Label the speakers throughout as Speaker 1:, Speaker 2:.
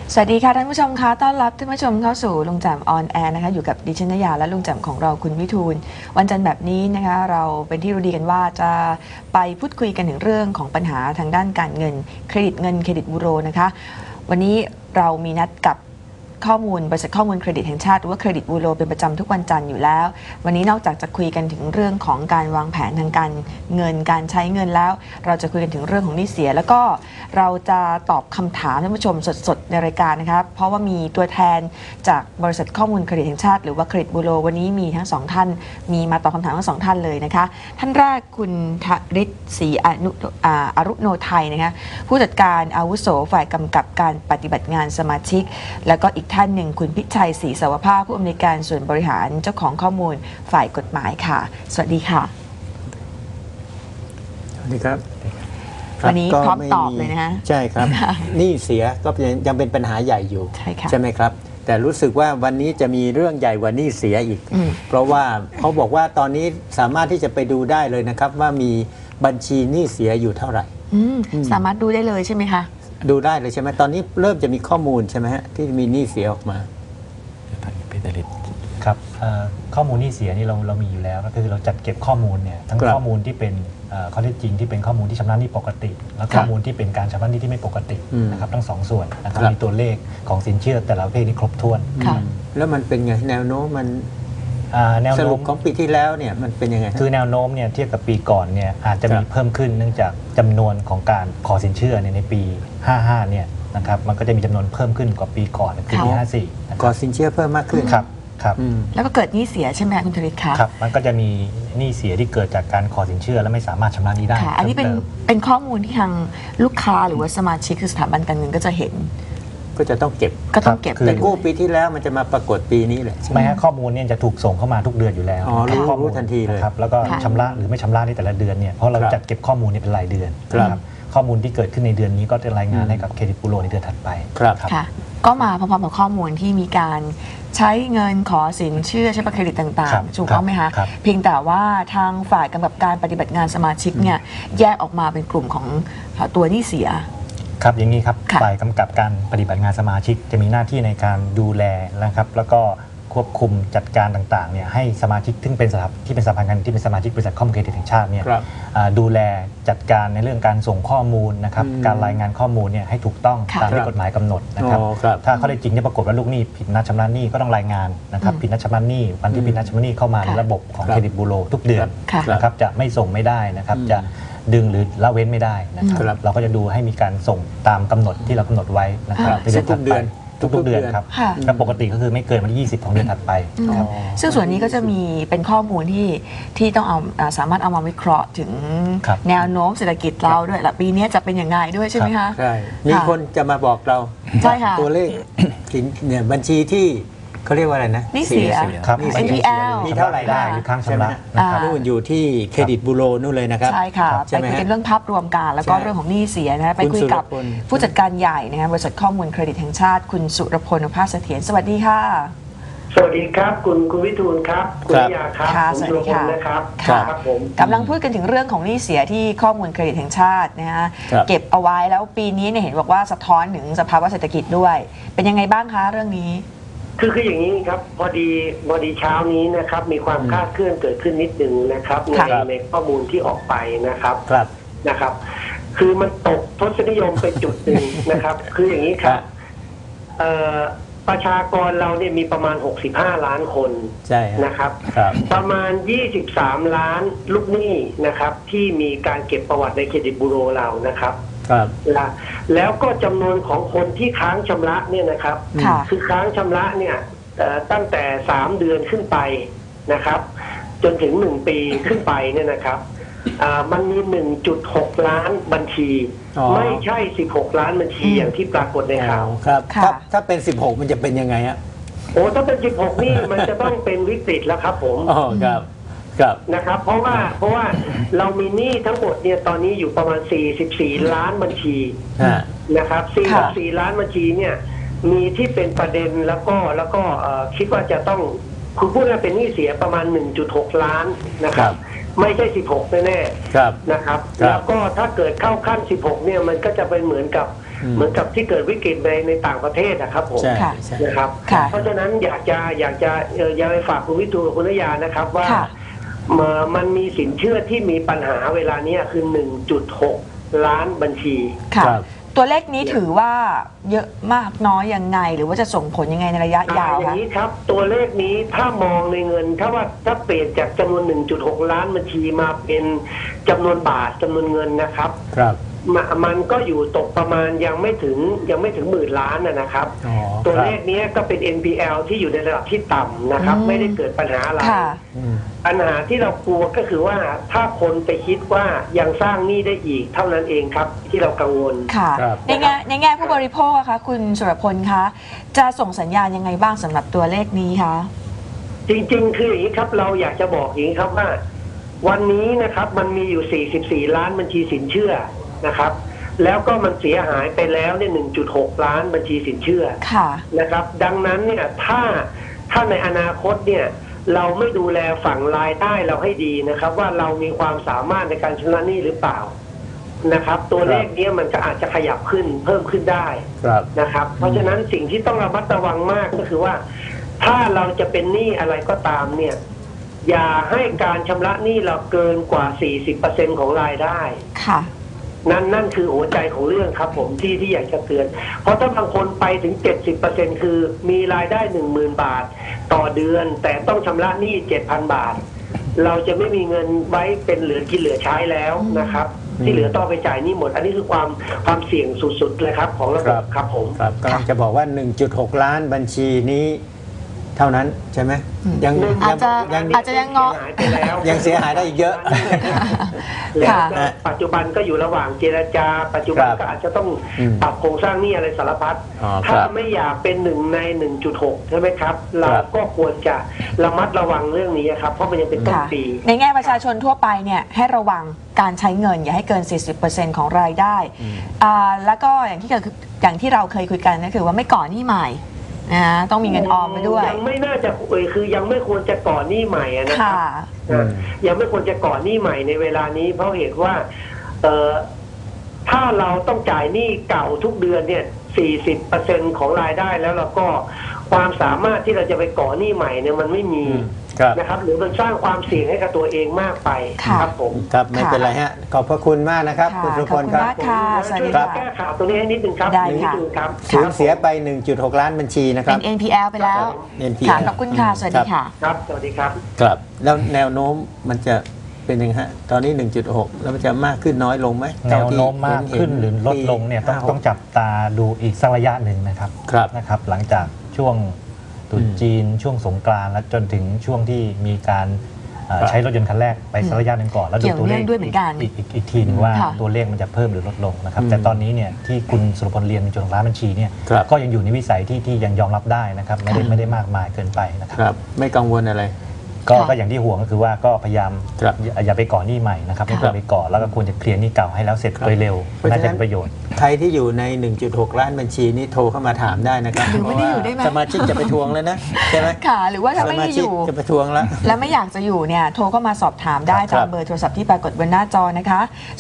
Speaker 1: สวัสดีค่ะท่านผู้ชมคะต้อนรับท่านผู้ชมเข้าสู่ลุงแจ่มออนแอร์นะคะอยู่กับดิฉันนยาและลุงแจ่มของเราคุณวิทูลวันจันทร์แบบนี้นะคะเราเป็นที่รู้ดีกันว่าจะไปพูดคุยกันถึงเรื่องของปัญหาทางด้านการเงินเครดิตบูโรนะคะวันนี้เรามีนัดกับข้อมูลบริษัทข้อมูลเครดิตแห่งชาติหรือว่าเครดิตบูโรเป็นประจำทุกวันจันทร์อยู่แล้ววันนี้นอกจากจะคุยกันถึงเรื่องของการวางแผนทางการเงินการใช้เงินแล้วเราจะคุยกันถึงเรื่องของหนี้เสียแล้วก็เราจะตอบคำถามท่านผู้ชมสดๆในรายการนะครับเพราะว่ามีตัวแทนจากบริษัทข้อมูลเครดิตแห่งชาติหรือว่าเครดิตบูโรวันนี้มีทั้งสองท่านมีมาตอบคำถามทั้งสองท่านเลยนะคะท่านแรกคุณธริศศรีอรุโนไทยนะคะผู้จัดการอาวุโสฝ่ายกำกับการปฏิบัติงานสมาชิกแล้วก็อีกท่านหนึ่งคุณพิชัยศรีสวภาผู้อำนวยการส่วนบริหารเจ้าของข้อมูลฝ่ายกฎหมายค่ะสวัสดีค่ะ
Speaker 2: สวัสดีครับ
Speaker 1: วันนี้พร้อมตอบเลยนะฮะ
Speaker 2: ใช่ครับหนี้เสียก็ยังเป็นปัญหาใหญ่อยู่ใช่ไหมครับแต่รู้สึกว่าวันนี้จะมีเรื่องใหญ่กว่าหนี้เสียอีกเพราะว่าเขาบอกว่าตอนนี้สามารถที่จะไปดูได้เลยนะครับว่ามีบัญชีหนี้เสียอยู่เท่าไหร่
Speaker 1: สามารถดูได้เลยใช่ไหมคะ
Speaker 2: ดูได้เลยใช่ไหมตอนนี้เริ่มจะมีข้อมูลใช่ไหมฮะที่มีหนี้เสียออกมา
Speaker 3: ครับข้อมูลหนี้เสียนี่เรามีอยู่แล้วก็คือเราจัดเก็บข้อมูลเนี่ยทั้งข้อมูลที่เป็นข้อเท็จจริงที่เป็นข้อมูลที่ชำระหนี้ปกติและข้อมูลที่เป็นการชำระหนี้ที่ไม่ปกตินะครับทั้งสองส่วนนะครับมีตัวเลขของสินเชื่อแต่ละประเภทที่ครบถ้วน
Speaker 2: แล้วมันเป็นไงแนวโน้มมันสรุปของปีที่แล้วเนี่ยมันเป็นยังไง
Speaker 3: คือแนวโน้มเนี่ยเทียบกับปีก่อนเนี่ยอาจจะมีเพิ่มขึ้นเนื่องจากจำนวนของการขอสินเชื่อในปี55เนี่ยนะครับมันก็จะมีจำนวนเพิ่มขึ้นกว่าปีก่อนคือปี54
Speaker 2: ขอสินเชื่อเพิ่มมากขึ้น
Speaker 3: ครับ
Speaker 1: แล้วก็เกิดหนี้เสียใช่ไหมคุณธริศคะ
Speaker 3: ครับมันก็จะมีหนี้เสียที่เกิดจากการขอสินเชื่อและไม่สามารถชำระหนี้ได้
Speaker 1: อันนี้เป็นข้อมูลที่ทางลูกค้าหรือว่าสมาชิกคือสถาบันการเงินก็จะเห็น
Speaker 2: ก็จะต้องเก็บแต่กู้ปีที่แล้วมันจะมาปรากฏปีนี้แหละ
Speaker 3: ใช่ไหมฮะข้อมูลเนี่ยจะถูกส่งเข้ามาทุกเดือนอยู่แล้ว
Speaker 2: รู้ทันทีเลย
Speaker 3: ครับแล้วก็ชำระหรือไม่ชำระในแต่ละเดือนเนี่ยเพราะเราจัดเก็บข้อมูลนี่เป็นรายเดือนนะครับข้อมูลที่เกิดขึ้นในเดือนนี้ก็จะรายงานให้กับเครดิตบูโรในเดือนถัดไป
Speaker 1: ค่ะก็มาพร้อมๆกับข้อมูลที่มีการใช้เงินขอสินเชื่อใช้บัตรเครดิตต่างๆถูกต้องไหมคะเพียงแต่ว่าทางฝ่ายกำกับการปฏิบัติงานสมาชิกเนี่ยแยกออกมาเป็นกลุ่มของตัวหนี้เสีย
Speaker 3: ครับอย่างนี้ครับฝ่ายกำกับการปฏิบัติงานสมาชิกจะมีหน้าที่ในการดูแลนะครับแล้วก็ควบคุมจัดการต่างๆเนี่ยให้สมาชิกที่เป็นสถาบันการเงินที่เป็นสมาชิกบริษัทข้อมูลเครดิตแห่งชาติเนี่ยดูแลจัดการในเรื่องการส่งข้อมูลนะครับการรายงานข้อมูลเนี่ยให้ถูกต้องตามที่กฎหมายกำหนดนะครับถ้าข้อเท็จจริงที่ปรากฏว่าลูกหนี้ผิดนัดชำระหนี้ก็ต้องรายงานนะครับผิดนัดชำระหนี้วันที่ผิดนัดชำระหนี้เข้ามาในระบบของเครดิตบูโรทุกเดือนนะครับจะไม่ส่งไม่ได้นะครับจะดึงหรือละเว้นไม่ได้นะครับเราก็จะดูให้มีการส่งตามกำหนดที่เรากำหนดไว้นะครับทุกเดือนครับก็ปกติก็คือไม่เกินวันที่20ของเดือนถัดไป
Speaker 1: ซึ่งส่วนนี้ก็จะมีเป็นข้อมูลที่ต้องเอาสามารถเอามาวิเคราะห์ถึงแนวโน้มเศรษฐกิจเราด้วยและปีนี้จะเป็นอย่างไรด้วยใช่ไหมคะ
Speaker 2: ใช่มีคนจะมาบอกเราตัวเลขเนี่ยบัญชีที่เขาเรียกว่าอะไรนะ
Speaker 1: หนี้เสีย
Speaker 3: ครับ
Speaker 1: NPL
Speaker 2: มีเท่าไหร่ได้
Speaker 3: ค้างชำระ
Speaker 2: นู่นอยู่ที่เครดิตบูโรนู่นเลยนะครับ
Speaker 1: ใช่ค่ะไปคุยกันเรื่องภาพรวมกันแล้วก็เรื่องของหนี้เสียนะไปคุยกับผู้จัดการใหญ่นะคะบริษัทข้อมูลเครดิตแห่งชาติคุณสุรพล ภาสเสถียรสวัสดีค่ะ
Speaker 4: สวัสดีครับคุณวิทูลครับคุณยาครับ
Speaker 1: สวัสดีค่ะ
Speaker 4: นะครับครับผม
Speaker 1: กำลังพูดกันถึงเรื่องของหนี้เสียที่ข้อมูลเครดิตแห่งชาตินะฮะเก็บเอาไว้แล้วปีนี้เนี่ยเห็นบอกว่าสะท้อนถึงสภาวะเศรษฐกิจด้วยเป็นยังไงบ้างคะเรื่องนี้
Speaker 4: คืออย่างนี้ครับพอดีเช้านี้นะครับมีความคลาดเคลื่อนเกิดขึ้นนิดนึงนะครับในข้อมูลที่ออกไปนะครับคือมันตกทศนิยมไปจุดหนึ่งนะครับคืออย่างนี้ครับประชากรเราเนี่ยมีประมาณ65ล้านคนนะครับประมาณ23ล้านลูกหนี้นะครับที่มีการเก็บประวัติในเครดิตบูโรเรานะครับแล้วก็จำนวนของคนที่ค้างชำระเนี่ยนะครับคือค้างชำระเนี่ยตั้งแต่3เดือนขึ้นไปนะครับจนถึง1ปีขึ้นไปเนี่ยนะครับมันมี 1.6 ล้านบัญชีไม่ใช่16ล้านบัญชีอย่างที่ปรากฏในข่าว
Speaker 2: ครับถ้าเป็น16มันจะเป็นยังไงฮะ
Speaker 4: ถ้าเป็น16นี่มันจะต้องเป็นวิกฤตแล้วครับผม
Speaker 2: ครับ
Speaker 4: นะครับเพราะว่าเรามีหนี้ทั้งหมดเนี่ยตอนนี้อยู่ประมาณ44ล้านบัญชีนะครับ44ล้านบัญชีเนี่ยมีที่เป็นประเด็นแล้วก็คิดว่าจะต้องคุณพูดว่าเป็นหนี้เสียประมาณ 1.6 ล้านนะครับไม่ใช่16แน่ๆนะครับแล้วก็ถ้าเกิดเข้าขั้น16เนี่ยมันก็จะเป็นเหมือนกับเหมือนกับที่เกิดวิกฤตในต่างประเทศนะครับผม
Speaker 2: ใช่
Speaker 1: ค่ะ
Speaker 2: ใช่
Speaker 4: นะครับ
Speaker 1: ค่ะ
Speaker 4: เพราะฉะนั้นอยากจะไปฝากคุณวิทูลกับคุณนยานะครับว่า
Speaker 1: ค่ะ
Speaker 4: มันมีสินเชื่อที่มีปัญหาเวลานี้คือ 1.6 ล้านบัญชี
Speaker 1: ค่ะ
Speaker 2: ครับ
Speaker 1: ตัวเลขนี้ถือว่าเยอะมากน้อยยังไง หรือว่าจะส่งผลยังไงในระยะยาว
Speaker 4: อย่า
Speaker 1: คะ
Speaker 4: งนี้ครับตัวเลขนี้ถ้ามองในเงินถ้าเปลี่ยนจากจำนวน 1.6 ล้านบัญชีมาเป็นจำนวนบาทจำนวนเงินนะครับ
Speaker 2: ครับ
Speaker 4: มันก็อยู่ตกประมาณยังไม่ถึงหมื่นล้านนะครับ
Speaker 2: อ๋อ
Speaker 4: ตัว
Speaker 2: ครับ
Speaker 4: เลขนี้ก็เป็น NPL ที่อยู่ในระดับที่ต่ำนะครับ ไม่ได้เกิดปัญหาอะไร
Speaker 1: ค่ะ
Speaker 2: อืม
Speaker 4: ปัญหาที่เรากลัวก็คือว่าถ้าคนไปคิดว่ายังสร้างหนี้ได้อีกเท่านั้นเองครับที่เรากังวล
Speaker 1: ค่ะ
Speaker 2: ครับ
Speaker 1: ในแง่ผู้บริโภคอะคะคุณสุรพลคะจะส่งสัญญาณยังไงบ้างสำหรับตัวเลขนี้คะ
Speaker 4: จริงๆ คืออย่างนี้ครับเราอยากจะบอกอย่างนี้ครับว่า วันนี้นะครับมันมีอยู่ 44 ล้านบัญชีสินเชื่อนะครับ แล้วก็มันเสียหายไปแล้วเนี่ย 1.6 ล้านบัญชีสินเชื่อ
Speaker 1: ค่ะ
Speaker 4: นะครับ ดังนั้นเนี่ยถ้าในอนาคตเนี่ยเราไม่ดูแลฝั่งรายได้เราให้ดีนะครับ ว่าเรามีความสามารถในการชำระหนี้หรือเปล่านะครับ ตัวเลขเนี้ยมันก็อาจจะขยับขึ้นเพิ่มขึ้นได้
Speaker 2: ครับ
Speaker 4: นะครับ เพราะฉะนั้นสิ่งที่ต้องระมัดระวังมากก็คือว่า ถ้าเราจะเป็นหนี้อะไรก็ตามเนี่ยอย่าให้การชำระหนี้เราเกินกว่า 40% ของรายได้
Speaker 1: ค่ะ
Speaker 4: นั่นคือหัวใจของเรื่องครับผมที่อยากจะเตือน เพราะถ้าบางคนไปถึง 70% คือมีรายได้ 10,000 บาท ต่อเดือน แต่ต้องชำระหนี้ 7,000 บาท เราจะไม่มีเงินไว้เป็นเหลือกินเหลือใช้แล้วนะครับ ที่เหลือต้องไปจ่ายหนี้หมด อันนี้คือความเสี่ยงสุดๆเลยครับของระบบครับผม
Speaker 2: ครับกำลังจะบอกว่า 1.6 ล้านบัญชีนี้เท่านั้นใช่ไหมยัง
Speaker 1: อาจจะ
Speaker 2: ยัง
Speaker 1: อาจจะยังงอ
Speaker 4: หายไปแล้ว
Speaker 2: ยังเสียหายได้อีกเยอะ
Speaker 4: แล้ว
Speaker 1: ค่ะ
Speaker 4: ก็ปัจจุบันก็อยู่ระหว่างเจรจา ปัจจุบัน
Speaker 2: ครับ
Speaker 4: ก็อาจจะต้อง
Speaker 2: อืม
Speaker 4: ปรับโครงสร้างหนี้อะไรสารพัด
Speaker 2: อ๋อ
Speaker 4: ถ้า
Speaker 2: ครับ
Speaker 4: ไม่อยากเป็น1 ใน 1.6 ใช่ไหมครับ เรา
Speaker 2: ครับ
Speaker 4: ก็ควรจะระมัดระวังเรื่องนี้ครับ เพราะมันยังเป็นต้น
Speaker 1: ค่ะ
Speaker 4: ปี
Speaker 1: ในแง่ประชาชนทั่วไปเนี่ยให้ระวังการใช้เงินอย่าให้เกิน 40% ของรายได้แล้วก็อย่างที่เราเคยคุยกันก็คือว่าไม่ก่อหนี้ใหม่นะต้องมีเงินออมไปด้วย
Speaker 4: ยังไม่น่าจะคือยังไม่ควรจะก่อหนี้ใหม่นะค
Speaker 1: ค่ะ
Speaker 4: รับยังไม่ควรจะก่อหนี้ใหม่ในเวลานี้ เพราะเหตุว่าถ้าเราต้องจ่ายหนี้เก่าทุกเดือนเนี่ย 40% ของรายได้แล้วเราก็ความสามารถที่เราจะไปก่อหนี้ใหม่เนี่ยมันไม่มี
Speaker 2: ครับ
Speaker 4: นะครับ หรือมันสร้างความเสี่ยงให้กับตัวเองมากไป
Speaker 1: ค่ะ
Speaker 4: ครับผม
Speaker 2: ครับไม่เป็นไรฮะขอบพระคุณมากนะครับ
Speaker 1: ค่ะ
Speaker 2: คุณสุพล
Speaker 1: ขอบคุณ
Speaker 2: ครับ
Speaker 1: มาก ค่ะสวัสดี
Speaker 4: ช่วย
Speaker 1: ค่ะ
Speaker 4: แก้ข่าวตัวนี้ให้นิดนึงครับ
Speaker 1: ได้
Speaker 4: นิด
Speaker 1: ค่ะ
Speaker 4: นึงครับ
Speaker 2: สูญเสียไป 1.6 ล้านบัญชีนะค
Speaker 1: เป็
Speaker 2: รับ
Speaker 1: น NPL ไปแล้ว
Speaker 2: NPL
Speaker 1: ค่ะขอบคุณค่ะ สวัสดีค่ะ
Speaker 4: ครับ สวัสดีครับ
Speaker 2: ครับ แล้วแนวโน้มมันจะเป็นยังไงฮะ ตอนนี้ 1.6 แล้วมันจะมากขึ้นน้อยลงไหม
Speaker 3: แนวโน้มมากขึ้นหรือลดลงเนี่ยต้องจับตาดูอีกสักระยะหนึ่งนะครับ
Speaker 2: ครับ
Speaker 3: นะครับหลังจากช่วงตรุษจีนช่วงสงกรานต์และจนถึงช่วงที่มีการใช้รถยนต์คันแรกไปสักระยะหนึ่งก่อน แล้วดูตัวเลข
Speaker 1: เกี่ยวเนื่องด้วยเหมือนกัน
Speaker 3: อีกทีนึงว่า
Speaker 1: ค่ะ
Speaker 3: ตัวเลขมันจะเพิ่มหรือลดลงนะครับ
Speaker 2: อืม
Speaker 3: แต่ตอนนี้เนี่ยที่คุณสุรพลเรียนในจุดของร้านบัญชีเนี่ย
Speaker 2: ครับ
Speaker 3: ก็ยังอยู่ในวิสัยที่ยังยอมรับได้นะครับไม่ได้มากมายเกินไปนะครับ
Speaker 2: ครับ ไม่กังวลอะไร
Speaker 3: ก็อย่างที่ห่วงก็คือว่าก็พยายาม
Speaker 2: ครับ
Speaker 3: อย่าไปก่อหนี้ใหม่นะครับไม่ควรไปก่อแล้วก็ควรจะเคลียร์หนี้เก่าให้แล้วเสร็จ
Speaker 2: ครับ
Speaker 3: โดยเร็ว
Speaker 2: เพราะฉะนั้น
Speaker 3: น่าจะเป็นประโยชน์
Speaker 2: ใครที่อยู่ใน 1.6 ล้านบัญชีนี้โทรเข้ามาถามได้นะครับ
Speaker 1: หรือไม่ได้อยู่ได้ไหม
Speaker 2: สมาชิกจะไปทวงแล้วนะ ใช่ไหม
Speaker 1: ค่ะ หรือว่าถ้าไม่
Speaker 2: สมา
Speaker 1: ได้อ
Speaker 2: ชิก
Speaker 1: ยู่
Speaker 2: จะไปทวงแล้ว
Speaker 1: และไม่อยากจะอยู่เนี่ยโทรเข้ามาสอบถามได้
Speaker 2: ครั
Speaker 1: ตา
Speaker 2: บ
Speaker 1: มเบอร์โทรศัพท์ที่ปรากฏบนหน้าจอนะคะ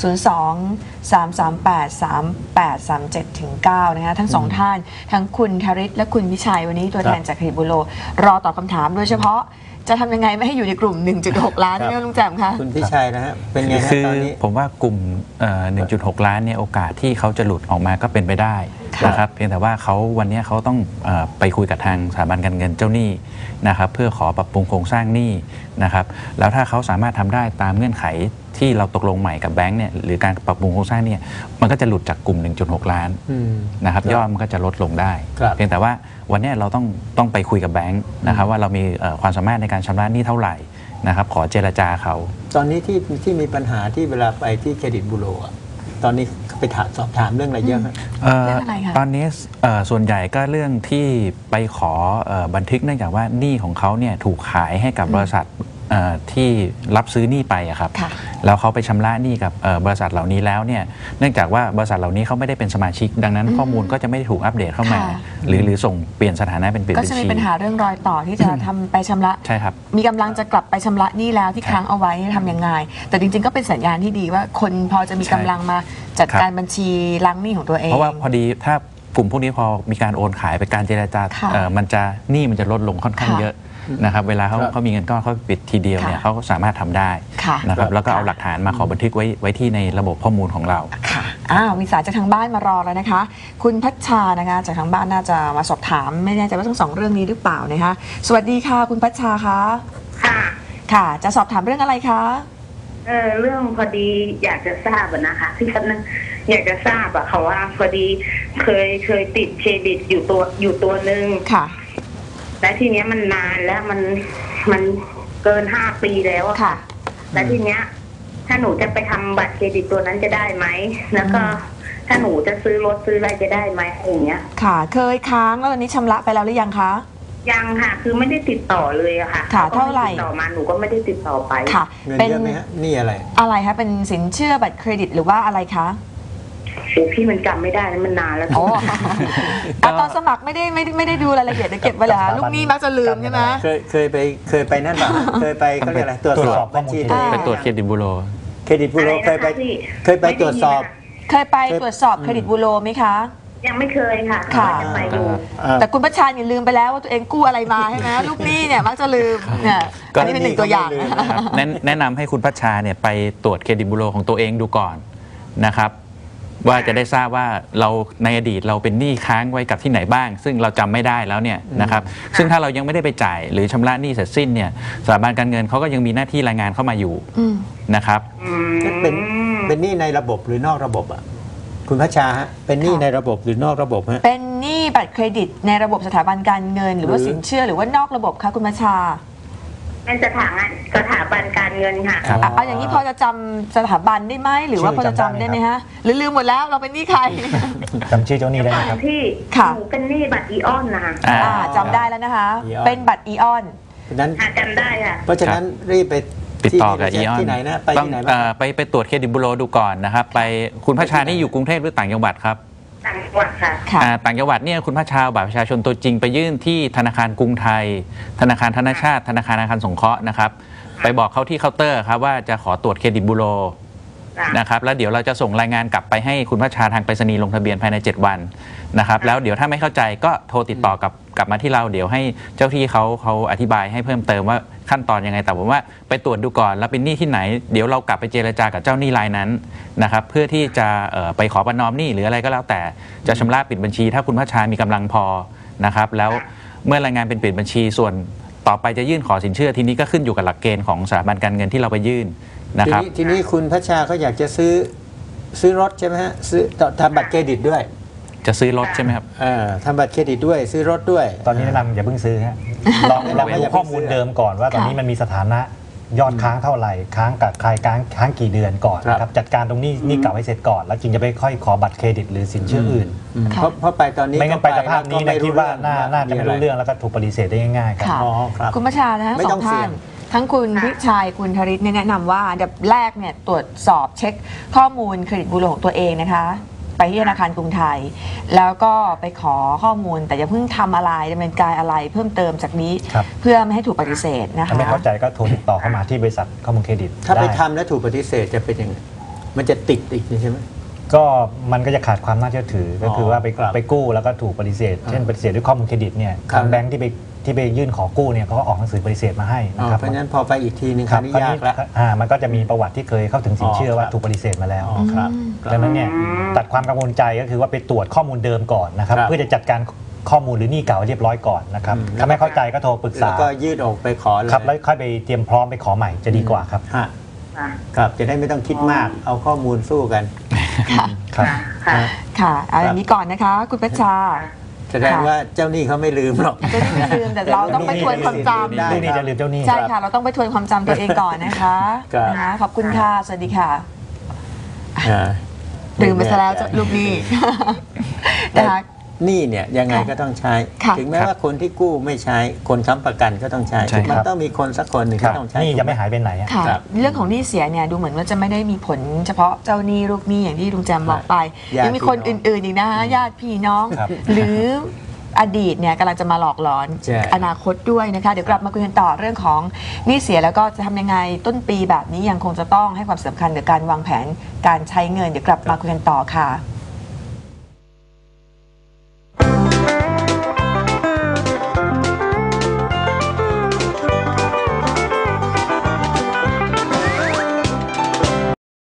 Speaker 1: 02-338-3837-9 นะคะทั้งสองท่าน ทั้งคุณธริศและคุณวิชัยวันนี้ตัวแทนจากเครดิตบูโรรอตอบคำถามโดยเฉพาะจะทำยังไงไม่ให้อยู่ในกลุ่ม 1.6 ล้าน
Speaker 2: ครับ
Speaker 1: นี่ลุงแจ่มคะ
Speaker 2: คุณพิชัยนะฮะ เป็นไงฮะ
Speaker 5: คือ
Speaker 2: ตอนนี้
Speaker 5: ผมว่ากลุ่ม1.6 ล้านเนี่ยโอกาสที่เขาจะหลุดออกมาก็เป็นไปได้
Speaker 1: ค่ะ
Speaker 5: นะครับเพียงแต่ว่าวันนี้เขาต้องไปคุยกับทางสถาบันการเงินเจ้าหนี้นะครับเพื่อขอปรับปรุงโครงสร้างหนี้นะครับแล้วถ้าเขาสามารถทำได้ตามเงื่อนไขที่เราตกลงใหม่กับแบงก์เนี่ยหรือการปรับปรุงโครงสร้างเนี่ยมันก็จะหลุดจากกลุ่ม 1.6 ล้าน
Speaker 2: อืม
Speaker 5: นะครับ
Speaker 2: ครับ
Speaker 5: ยอดมันก็จะลดลงได้
Speaker 2: ครับ
Speaker 5: เพียงแต่ว่าวันนี้เราต้องไปคุยกับแบงก์นะครับว่าเรามีความสามารถในการชำระหนี้เท่าไหร่นะครับขอเจรจาเขา
Speaker 2: ตอนนี้ที่มีปัญหาที่เวลาไปที่เครดิตบูโรอะตอนนี้ไปสอบถามเรื่องอะไรเยอะฮะ
Speaker 1: เรื่องอะไรคะ
Speaker 5: ตอนนี้ส่วนใหญ่ก็เรื่องที่ไปขอบันทึกเนื่องจากว่าหนี้ของเขาเนี่ยถูกขายให้กับบริษัทที่รับซื้อหนี้ไปอะครับแล้วเขาไปชำระหนี้กับบริษัทเหล่านี้แล้วเนี่ยเนื่องจากว่าบริษัทเหล่านี้เขาไม่ได้เป็นสมาชิกดังนั้นข้อมูลก็จะไม่ได้ถูกอัปเดตเข้ามาหรือส่งเปลี่ยนสถานะเป็นปิดบัญชี
Speaker 1: ก็จะมีปัญหาเรื่องรอยต่อที่จะทำไปชำระ
Speaker 5: ใช่ครับ
Speaker 1: มีกำลังจะกลับไปชำระหนี้แล้วที่ค้างเอาไว้ทำยังไงแต่จริงๆก็เป็นสัญญาณที่ดีว่าคนพอจะมีกำลังมาจัดการบัญชีล้างหนี้ของตัวเอง
Speaker 5: เพราะว่าพอดีถ้ากลุ่มพวกนี้พอมีการโอนขายไปการเจรจามันจะหนี้มันจะลดลงค่อนข้างเยอะนะครับเวลาเขามีเงินก้อนเขาปิดทีเดียวเนี่ยเขาสามารถทำได้นะครับแล้วก็เอาหลักฐานมาขอบันทึกไว้ที่ในระบบข้อมูลของเรา
Speaker 1: ค่ะมีสายจากทางบ้านมารอแล้วนะคะคุณพัชชานะคะจากทางบ้านน่าจะมาสอบถามไม่แน่ใจว่าทั้งสองเรื่องนี้หรือเปล่านะคะสวัสดีค่ะคุณพัชชาคะค่ะจะสอบถามเรื่องอะไรคะ
Speaker 6: เรื่องพอดีอยากจะทราบนะคะที่ฉันอยากจะทราบค่ะว่าพอดีเคยติดเครดิตอยู่ตัวหนึ่ง
Speaker 1: ค่ะ
Speaker 6: และทีเนี้ยมันนานแล้วมันเกิน5 ปีแล้ว
Speaker 1: ค่ะ
Speaker 6: และทีเนี้ยถ้าหนูจะไปทำบัตรเครดิตตัวนั้นจะได้ไหมแล้วก็ถ้าหนูจะซื้อรถซื้ออะไรจะได้ไหมอย่างเงี้ย
Speaker 1: ค่ะเคยค้างแล้วตอนนี้ชำระไปแล้วหรือยังคะ
Speaker 6: ยังค่ะคือไม่ได้ติดต่อเลยอะค่ะ
Speaker 1: เท่าไหร่
Speaker 6: ติดต่อมาหนูก็ไม่ได้ติดต่อไป
Speaker 1: ค่ะ
Speaker 2: เป็นเยอะไหมฮะนี่
Speaker 1: อะไรคะเป็นสินเชื่อบัตรเครดิตหรือว่าอะไรคะ
Speaker 6: พี่มันจำไม่ได้แล้วมันนานแล้ว
Speaker 1: ตอนสมัครไม่ได้ดูรายละเอียดเก็บไว้แล้วลูกหนี้มักจะลืมใช่ไหม
Speaker 2: เคยไปนั่นป่ะเคยไปเขาเรียกอะไรตรวจสอบบัญชี
Speaker 5: ไปตรวจเครดิตบูโร
Speaker 2: เครดิตบูโรเคยไปตรวจสอบ
Speaker 1: เคยไปตรวจสอบเครดิตบูโรไหมคะ
Speaker 6: ยังไม่เคยค่ะจะไปอยู่
Speaker 1: แต่คุณประชาอย่าลืมไปแล้วว่าตัวเองกู้อะไรมาใช่ไหมลูกหนี้เนี่ยมักจะลืมเนี่ยอันนี้เป็นหนึ่งตัวอย่าง
Speaker 5: แนะนำให้คุณพัชชาเนี่ยไปตรวจเครดิตบูโรของตัวเองดูก่อนนะครับว่าจะได้ทราบว่าเราในอดีตเราเป็นหนี้ค้างไว้กับที่ไหนบ้างซึ่งเราจำไม่ได้แล้วเนี่ยนะครับซึ่งถ้าเรายังไม่ได้ไปจ่ายหรือชำระหนี้เสร็จสิ้นเนี่ยสถาบันการเงินเขาก็ยังมีหน้าที่รายงานเข้ามาอยู่นะครับ
Speaker 2: เป็นหนี้ในระบบหรือนอกระบบอ่ะคุณพัชชาฮะเป็นหนี้ในระบบหรือนอกระบบฮะ
Speaker 1: เป็นหนี้บัตรเครดิตในระบบสถาบันการเงินหรือว่าสินเชื่อหรือว่านอกระบบคะคุณพัชชา
Speaker 6: เป็นสถาบันการเงินค่ะ
Speaker 1: เอาอย่างนี้พอจะจำสถาบันได้ไหมหรือว่าพอจะจำได้ไหมฮะหรือลืมหมดแล้วเราเป็นหนี้ใคร
Speaker 3: จำชื่อเจ้าหนี้ได้ไหมครับ
Speaker 6: ที่หนูเป็นหนี้บัตรอีออนนะคะ
Speaker 1: จำได้แล้วนะคะเป็นบัตรอีออน
Speaker 2: นั้น
Speaker 6: จำได้ค่ะ
Speaker 2: เพราะฉะนั้นรีบไป
Speaker 5: ติดต่อกับอีออน
Speaker 2: ที่ไหนนะไปที่ไหนบ้าง
Speaker 5: ไปตรวจเครดิตบูโรดูก่อนนะครับไปคุณพัชชานี่อยู่กรุงเทพหรือต่างจังหวัดครับ
Speaker 6: ต่างจังหวัดค่ะ
Speaker 5: ต่างจังหวัดเนี่ยคุณพัชชาบัตรประชาชนตัวจริงไปยื่นที่ธนาคารกรุงไทยธนาคารธนชาติธนาคารอาคารสงเคราะห์นะครับไปบอกเขาที่เคาน์เตอร์ครับว่าจะขอตรวจเครดิตบูโรนะครับแล้วเดี๋ยวเราจะส่งรายงานกลับไปให้คุณพัชชาทางไปรษณีย์ลงทะเบียนภายใน7 วันนะครับแล้วเดี๋ยวถ้าไม่เข้าใจก็โทรติดต่อกลับมาที่เราเดี๋ยวให้เจ้าที่เขาอธิบายให้เพิ่มเติมว่าขั้นตอนยังไงแต่ผมว่าไปตรวจดูก่อนแล้วเป็นหนี้ที่ไหนเดี๋ยวเรากลับไปเจรจากับเจ้าหนี้รายนั้นนะครับเพื่อที่จะไปขอประนอมหนี้หรืออะไรก็แล้วแต่จะชำระปิดบัญชีถ้าคุณพัชชามีกำลังพอนะครับแล้วเมื่อรายงานเป็นปิดบัญชีส่วนต่อไปจะยื่นขอสินเชื่อทีนี้ก็ขึ้นอยู่กับหลักเกณฑ์ของสถาบันการเงินที่เราไปยื่นนะครับ
Speaker 2: ทีนี้คุณพัชชาเขาอยากจะซื้อรถใช่ไหมฮะซื้อทำบัตรเครดิตด้วย
Speaker 5: จะซื้อรถใช่ไหมครับ
Speaker 2: ทำบัตรเครดิตด้วยซื้อรถด้วย
Speaker 3: ตอนนี้แนะนำอย่าเพิ่งซื้อฮะลองดูข้อมูลเดิมก่อนว่าตอนนี้มันมีสถานะยอดค้างเท่าไหร่ค้างกับใครค้างกี่เดือนก่อนนะครับจัดการตรงนี้เก่าให้เสร็จก่อนแล้วจึงจะไปค่อยขอบัตรเครดิตหรือสินเชื่ออื่น
Speaker 2: เพราะไปตอนนี้
Speaker 3: ไม่งั้นไปสภาพนี้นะคิดว่าน่าจะไม่รู้เรื่องแล้วก็ถูกปฏิเสธได้ง่ายๆครับ
Speaker 1: คุณประชานะสองท่านทั้งคุณวิชัยคุณธริศแนะนำว่าอันดับแรกเนี่ยตรวจสอบเช็คข้อมูลเครดิตบูโรของตัวเองนะคะไปที่ธนาคารกรุงไทยแล้วก็ไปขอข้อมูลแต่อย่าเพิ่งทำอะไรดำเนินการอะไรเพิ่มเติมจากนี้เพื่อไม่ให้ถูกปฏิเสธนะคะ
Speaker 3: ถ้าไม่เข้าใจก็โทรติดต่อเข้ามาที่บริษัทข้อมูลเครดิต
Speaker 2: ถ้าไปทำแล้วถูกปฏิเสธจะเป็นยังไงมันจะติดอีกใช่ไหม
Speaker 3: ก็มันก็จะขาดความน่าเชื่อถือก็คือว่าไปกู้แล้วก็ถูกปฏิเสธเช่นปฏิเสธด้วยข้อมูลเครดิตเนี่ยทางแบงค์ที่ไปยื่นขอกู้เนี่ยเขาก็ออกหนังสือปฏิเสธมาให้นะครับ
Speaker 2: เพราะฉะนั้นพอไปอีกทีนึงคราวนี้ยากแล้ว
Speaker 3: มันก็จะมีประวัติที่เคยเข้าถึงสินเชื่อว่าถูกปฏิเสธมาแล้ว
Speaker 2: ครับ
Speaker 3: ดังนั้นเนี่ยตัดความกังวลใจก็คือว่าไปตรวจข้อมูลเดิมก่อนนะครับเพื่อจะจัดการข้อมูลหรือหนี้เก่าเรียบร้อยก่อนนะครับถ้าไม่เข้าใจก็โทรปรึกษา
Speaker 2: แล้วก็ยืดออกไปขอเลย
Speaker 3: ครับแล้วค่อยไปเตรียมพร้อมไปขอใหม่จะดีกว่าครับ
Speaker 2: ครับจะได้ไม่ต้องคิดมากเอาข้อมูลสู้กัน
Speaker 1: ค่ะเอาอย่างนี้ก่อนนะคะคุณประชา
Speaker 2: แสดงว่าเจ้าหนี้เขาไม่ลืมหรอก
Speaker 1: เจ้าหนี้ไม่ลืมแต่เราต้องไปทวนความจำ
Speaker 3: เรื่องนี้จะลืมเจ้าหนี้
Speaker 1: ใช่ค่ะเราต้องไปทวนความจำตัวเองก่อนนะคะขอบคุณค่ะสวัสดีค่ะลืมไปซะแล้วลูกหนี้นะคะ
Speaker 2: หนี้เนี่ยยังไงก็ต้องใช้ ถึงแม้ว่าคนที่กู้ไม่ใช้คนค้ำประกันก็ต้องใช้มันต้องมีคนสักคนหนึ่งที่ต้องใช้
Speaker 3: นี่ยังไม่หายไปไหน
Speaker 1: เรื่องของหนี้เสียเนี่ยดูเหมือนว่าจะไม่ได้มีผลเฉพาะเจ้าหนี้ลูกหนี้อย่างที่ลุงแจมบอกไปยังมีคนอื่นๆอีกนะญาติพี่น้องหรืออดีตเนี่ยกำลังจะมาหลอกหลอนอนาคตด้วยนะคะเดี๋ยวกลับมาคุยกันต่อเรื่องของหนี้เสียแล้วก็จะทำยังไงต้นปีแบบนี้ยังคงจะต้องให้ความสำคัญกับการวางแผนการใช้เงินเดี๋ยวกลับมาคุยกันต่อค่ะ